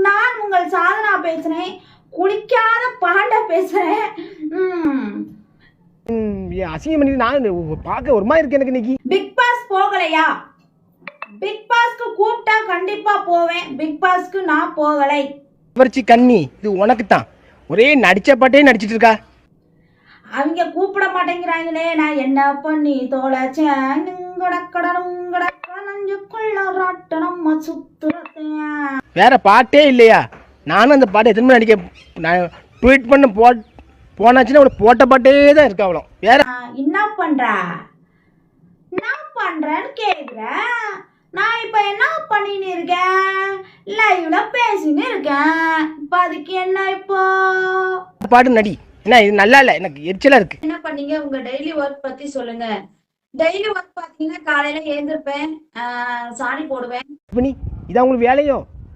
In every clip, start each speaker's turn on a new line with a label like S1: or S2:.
S1: நான் உங்கள் சாதனா பேசுறேன். குளிக்காத பாண்ட பேசுறேன்.
S2: அசிங்கம் பண்ணி நான் பார்க்க ஒரு மாதிரி இருக்கு எனக்கு இன்னைக்கு.
S1: பிக் பாஸ் போகலையா? பிக் பாஸ்க்கு கூப்பிட்டா கண்டிப்பா போவேன். பிக் பாஸ்க்கு நான் போகலை.
S2: வரிச்சி கண்ணி இது உனக்கு தான். ஒரே நடிச்ச பாட்டே நடிச்சிட்டு இருக்கா.
S1: அவங்க கூப்பிட மாட்டேங்கிறாங்களே, நான் என்ன பண்ணி தோலைச்சேன்.
S2: வேற பாட்டே இல்லையா? நானும் அந்த பாட்டை எத்தனை நடிக்க நான் ட்வீட் பண்ண போனாச்சுன்னா அவளை போட்ட பாட்டே தான் இருக்கா. அவ்வளோ வேற
S1: என்ன பண்றா? என்ன பண்றேன்னு கேக்குற. நான் இப்ப என்ன பண்ணின்னு இருக்கேன்? லைவ்ல பேசின்னு இருக்கேன். இப்ப அதுக்கு என்ன? இப்போ
S2: பாட்டு நடி. என்ன இது நல்லா இல்ல, எனக்கு எரிச்சலா இருக்கு.
S1: என்ன பண்ணீங்க? உங்க டெய்லி ஒர்க் பத்தி சொல்லுங்க. டெய்லி ஒர்க் பாத்தீங்கன்னா காலையில எழுந்திருப்பேன், சாணி போடுவேன்.
S2: இதான் உங்களுக்கு வேலையோ?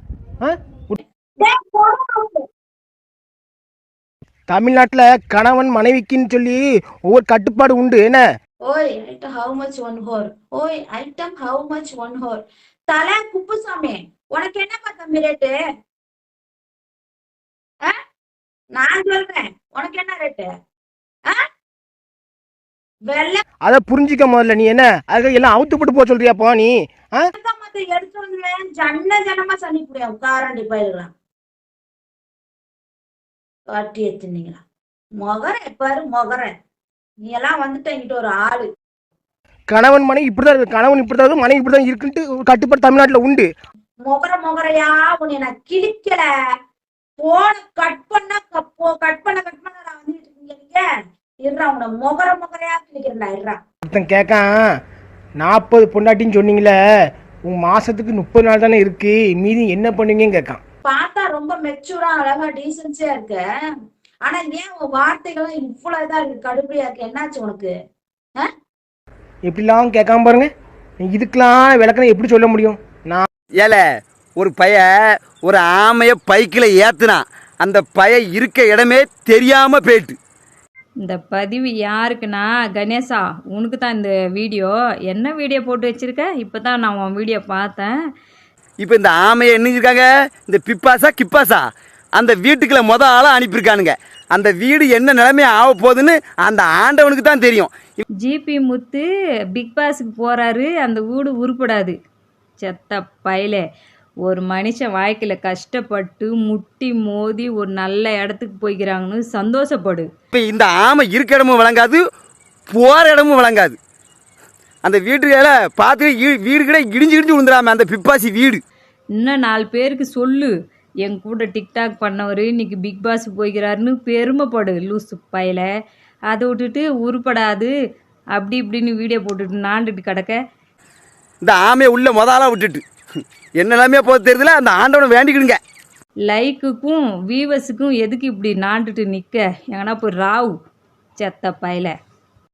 S2: தமிழ்நாட்டுல கணவன் மனைவிக்குன்னு சொல்லி ஒவ்வொரு கட்டுப்பாடு உண்டு. என்ன
S1: ஓய் item how much one hour? ஓய் item how much one hour? தலை குப்புசாமி, உனக்கு என்னப்பா தம்பி ரேட்டு? நான் சொல்றேன், உனக்கு என்ன ரேட்டு?
S2: அத புரிஞ்சிக்க முதல்ல. நீ என்ன அதுக்கு எல்லாம் அவுத்து போட்டு போக சொல்றியாப்பா நீ?
S1: எடுத்து வந்துடுவேன். ஜனமா சனி புடியா காரண்டி பயிர்களாம் காட்டி எடுத்துனீங்களா? மொகர பாரு மொகர. நீ எல்லாம் வந்துட்டு என்கிட்ட ஒரு ஆளு.
S2: கணவன் மனைவி இப்படிதான் இருக்கு. கணவன் இப்படிதான் மனைவி இப்படிதான் இருக்குன்ட்டு கட்டுப்பாடு தமிழ்நாட்டுல உண்டு.
S1: மொகரையா உன்னை நான் கிழிக்கல. போன கட் பண்ண நான் வந்துட்டு இருக்கீங்க. இருறா உன்னை மொகரையா கிழிக்கிறேன்டா. இருறா
S2: ஒருத்தன் கேட்கான், 40 பொண்டாட்டின்னு சொன்னீங்களே, உன் மாசத்துக்கு 30 நாள் தானே இருக்கு, மீதி என்ன பண்ணுவீங்கன்னு கேட்கான்.
S1: பார்த்தா ரொம்ப மெச்சூரா அழகா டீசன்சியா இருக்கு. ஆனா ஏன் உன் வார்த்தைகளும் இவ்வளவு இதா இருக்கு, கடுமையா இருக்கு? என்னாச்சு உனக்கு?
S2: எப்படிலாம் கேட்காம பாருங்க. இதுக்கெல்லாம் விளக்கணை எப்படி சொல்ல முடியும்? நான்
S3: ஏல ஒரு பைய ஒரு ஆமைய பைக்கில் ஏத்துனான். அந்த பைய இருக்க இடமே தெரியாம போயிட்டு.
S4: இந்த பதிவு யாருக்குன்னா, கணேசா உனக்கு தான் இந்த வீடியோ. என்ன வீடியோ போட்டு வச்சிருக்க? இப்போ தான் நான் உன் வீடியோ பார்த்தேன்.
S3: இப்போ இந்த ஆமையை என்னஞ்சிருக்காங்க, இந்த பிப்பாசா கிப்பாசா அந்த வீட்டுக்குள்ள ஆளாக அனுப்பியிருக்கானுங்க. அந்த வீடு என்ன நிலைமையை ஆக போகுதுன்னு அந்த ஆண்டவனுக்கு தான் தெரியும்.
S4: ஜிபி முத்து பிக் பாஸுக்கு போகிறாரு, அந்த வீடு உருப்படாது. செத்த பயலே, ஒரு மனுஷன் வாழ்க்கையில் கஷ்டப்பட்டு முட்டி மோதி ஒரு நல்ல இடத்துக்கு போய்க்கிறாங்கன்னு சந்தோஷப்படு.
S3: இப்போ இந்த ஆமை இருக்க இடமும் விளங்காது, போகிற இடமும் விளங்காது. அந்த வீட்டுல பார்த்து வீடு கூட இடிஞ்சு விழுந்துடாம அந்த பிப்பாசி வீடு.
S4: இன்னும் 4 பேருக்கு சொல்லு, என் கூட டிக்டாக் பண்ணவர் இன்னைக்கு பிக் பாஸ் போய்க்கிறாருன்னு பெருமைப்படு. லூசு பயல, அதை விட்டுட்டு உருப்படாது அப்படி இப்படின்னு வீடியோ போட்டுட்டு நாண்டுட்டு கிடக்க.
S3: இந்த ஆமையை உள்ள முதலாக விட்டுட்டு என்னெல்லாமே போக தெரியுதுல, அந்த ஆண்டவனை வேண்டிக்கிடுங்க.
S4: லைக்குக்கும் வியூவர்ஸுக்கும் எதுக்கு இப்படி நாண்டுட்டு நிற்க? எங்கன்னா போய் ராவு செத்த பயல.